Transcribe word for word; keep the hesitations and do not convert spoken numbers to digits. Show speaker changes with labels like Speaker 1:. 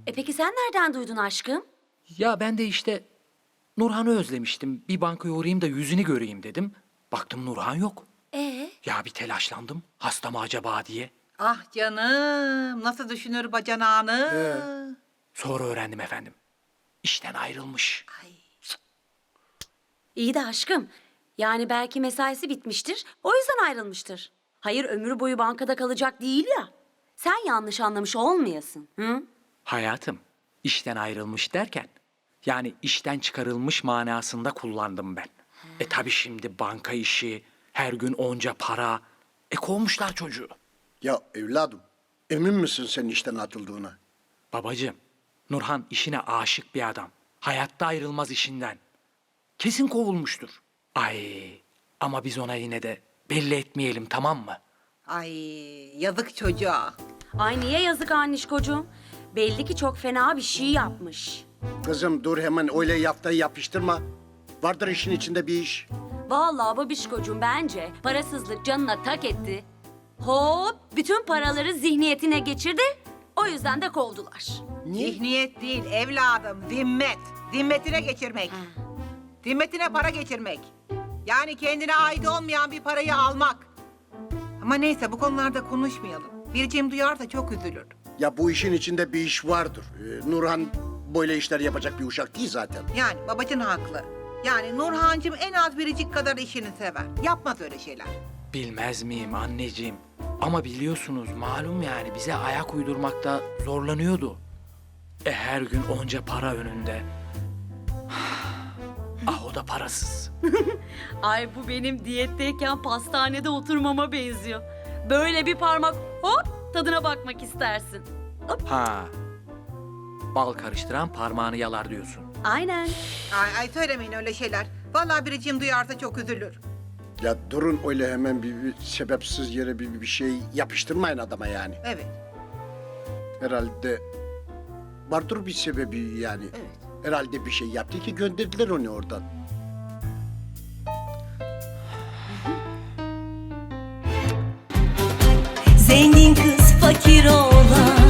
Speaker 1: E peki sen nereden duydun aşkım?
Speaker 2: Ya ben de işte Nurhan'ı özlemiştim. Bir bankaya uğrayayım da yüzünü göreyim dedim. Baktım Nurhan yok.
Speaker 1: Ee?
Speaker 2: Ya bir telaşlandım. Hasta mı acaba diye.
Speaker 3: Ah canım, nasıl düşünür bacanağını?
Speaker 2: Sonra öğrendim efendim. İşten ayrılmış.
Speaker 1: İyi de aşkım. Yani belki mesaisi bitmiştir. O yüzden ayrılmıştır. Hayır ömür boyu bankada kalacak değil ya. Sen yanlış anlamış olmayasın. Hı?
Speaker 2: Hayatım, işten ayrılmış derken, yani işten çıkarılmış manasında kullandım ben. E tabi şimdi banka işi, her gün onca para. E kovmuşlar çocuğu.
Speaker 4: Ya evladım, emin misin sen işten atıldığına?
Speaker 2: Babacığım, Nurhan işine aşık bir adam. Hayatta ayrılmaz işinden. Kesin kovulmuştur. Ay, ama biz ona yine de belli etmeyelim, tamam mı?
Speaker 3: Ay yazık çocuğa.
Speaker 1: Ay niye yazık annişkocuğum? Belli ki çok fena bir şey yapmış.
Speaker 4: Kızım dur hemen öyle yaftayı yapıştırma. Vardır işin içinde bir iş.
Speaker 1: Vallahi babişkocuğum bence parasızlık canına tak etti. Hop bütün paraları zihniyetine geçirdi. O yüzden de kovdular.
Speaker 3: Zihniyet değil evladım, zimmet. Zimmetine geçirmek. Zimmetine para geçirmek. Yani kendine ait olmayan bir parayı almak. Ama neyse bu konularda konuşmayalım. Biricim duyarsa çok üzülür.
Speaker 4: Ya bu işin içinde bir iş vardır. Ee, Nurhan böyle işler yapacak bir uşak değil zaten.
Speaker 3: Yani babacın haklı. Yani Nurhancığım en az Biricik kadar işini sever. Yapmaz öyle şeyler.
Speaker 2: Bilmez miyim anneciğim? Ama biliyorsunuz malum yani bize ayak uydurmakta zorlanıyordu. E her gün onca para önünde. Ah o da parasız.
Speaker 1: Ay bu benim diyetteyken pastanede oturmama benziyor. Böyle bir parmak hop tadına bakmak istersin.
Speaker 2: Ha. Bal karıştıran parmağını yalar diyorsun.
Speaker 1: Aynen.
Speaker 3: Ay, ay söylemeyin öyle şeyler. Vallahi Biricim duyarsa çok üzülür.
Speaker 4: Ya durun öyle hemen bir, bir sebepsiz yere bir, bir şey yapıştırmayın adama yani.
Speaker 3: Evet,
Speaker 4: Herhalde vardır bir sebebi yani.
Speaker 3: evet.
Speaker 4: Herhalde bir şey yaptı ki gönderdiler onu oradan.
Speaker 5: Zengin kız fakir oğlan